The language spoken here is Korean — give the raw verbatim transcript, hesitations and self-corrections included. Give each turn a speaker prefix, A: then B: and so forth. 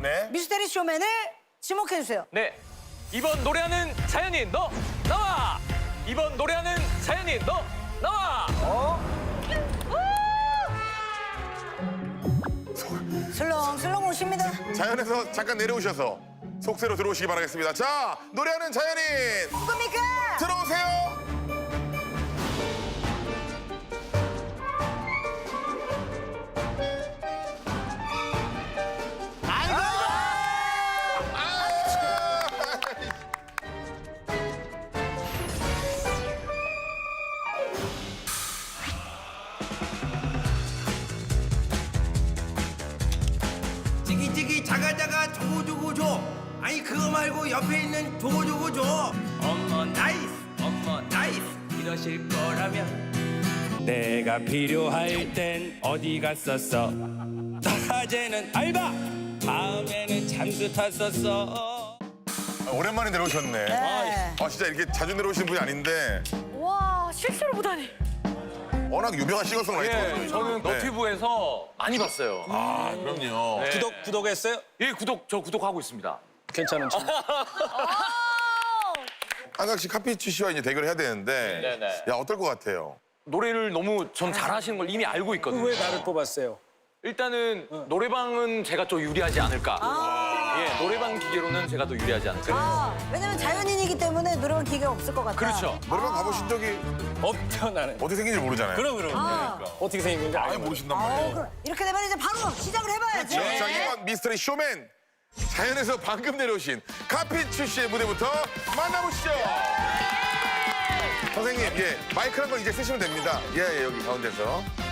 A: 네.
B: 미스테리 쇼맨을 지목해주세요.
C: 네. 이번 노래하는 자연인 너 나와. 이번 노래하는 자연인 너 나와.
B: 슬렁슬렁 오십니다.
A: 자연에서 잠깐 내려오셔서 속세로 들어오시기 바라겠습니다. 자, 노래하는 자연인
B: 누굽니까?
A: 들어오세요.
D: 찌기찌기 자가자가 조고조고조. 아니 그거 말고 옆에 있는 조고조고조. 어머 나이스 어머 나이스 이러실 거라면
E: 내가 필요할 땐 어디 갔었어? 낮에는 알바, 밤에는 잠수 탔었어.
A: 아, 오랜만에 내려오셨네.
B: 네.
A: 아, 진짜 이렇게 자주 내려오시는 분이 아닌데
F: 와, 실수를 보다니.
A: 워낙 유명한 싱어송라이터.
C: 예, 저는
A: 네.
C: 너튜브에서 많이 봤어요.
A: 아, 그럼요.
C: 네.
E: 구독 구독했어요?
C: 예, 구독 저 구독하고 있습니다.
E: 괜찮은 척.
A: 한강 씨, 카피치 씨와 이제 대결을 해야 되는데
C: 네네.
A: 야, 어떨 것 같아요?
C: 노래를 너무 전 잘하시는 걸 이미 알고 있거든요.
E: 왜 나를 뽑았어요?
C: 일단은 노래방은 제가 좀 유리하지 않을까. 예, 노래방 기계로는 제가 더 유리하지 않을까.
B: 아, 왜냐면 자연인이기 때문에 노래방 기계가 없을 것 같다.
C: 그렇죠.
A: 노래방 가보신 적이
E: 없죠 나는.
A: 어떻게 생긴지 모르잖아요.
E: 그럼 그럼.
B: 아.
E: 어떻게 생긴 건지
A: 아예
E: 알고.
A: 모르신단
B: 어,
A: 말이에요.
B: 그럼 이렇게 되면 이제 바로 시작을 해봐야지.
A: 자, 이번 미스터리 쇼맨 자연에서 방금 내려오신 카피치 씨의 무대부터 만나보시죠. 선생님, 예, 마이크 한 번 이제 쓰시면 됩니다. 예, 예, 여기 가운데서.